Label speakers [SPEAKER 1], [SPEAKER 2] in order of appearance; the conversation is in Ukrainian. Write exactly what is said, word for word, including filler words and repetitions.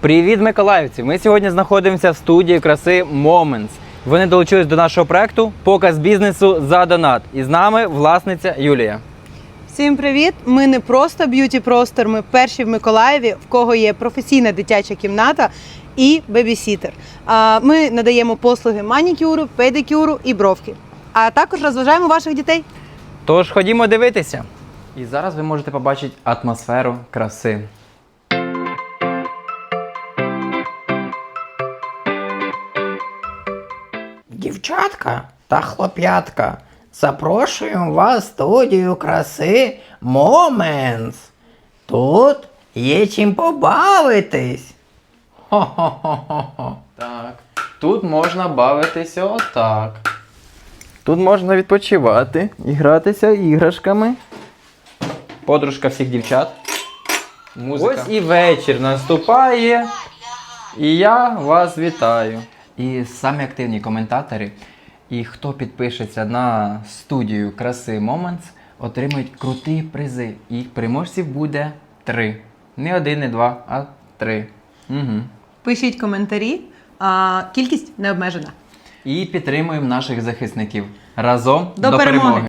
[SPEAKER 1] Привіт, миколаївці! Ми сьогодні знаходимося в студії краси Moments. Вони долучились до нашого проекту «Показ бізнесу за донат». І з нами власниця Юлія.
[SPEAKER 2] Всім привіт! Ми не просто б'юті-простор, ми перші в Миколаєві, в кого є професійна дитяча кімната і бебісітер. Ми надаємо послуги манікюру, педикюру і бровки. А також розважаємо ваших дітей.
[SPEAKER 1] Тож ходімо дивитися. І зараз ви можете побачити атмосферу краси.
[SPEAKER 3] Дівчатка та хлоп'ятка, запрошуємо вас в студію краси Moments. Тут є чим побавитись. Хо-хо-хо-хо.
[SPEAKER 1] Так, тут можна бавитися отак. Тут можна відпочивати і гратися іграшками. Подружка всіх дівчат. Музика. Ось і вечір наступає. І я вас вітаю. І самі активні коментатори, і хто підпишеться на студію краси Moments, отримують круті призи. І переможців буде три. Не один, не два, а три. Угу.
[SPEAKER 2] Пишіть коментарі, а кількість не обмежена.
[SPEAKER 1] І підтримуємо наших захисників. Разом
[SPEAKER 2] До
[SPEAKER 1] до
[SPEAKER 2] перемоги!
[SPEAKER 1] перемоги!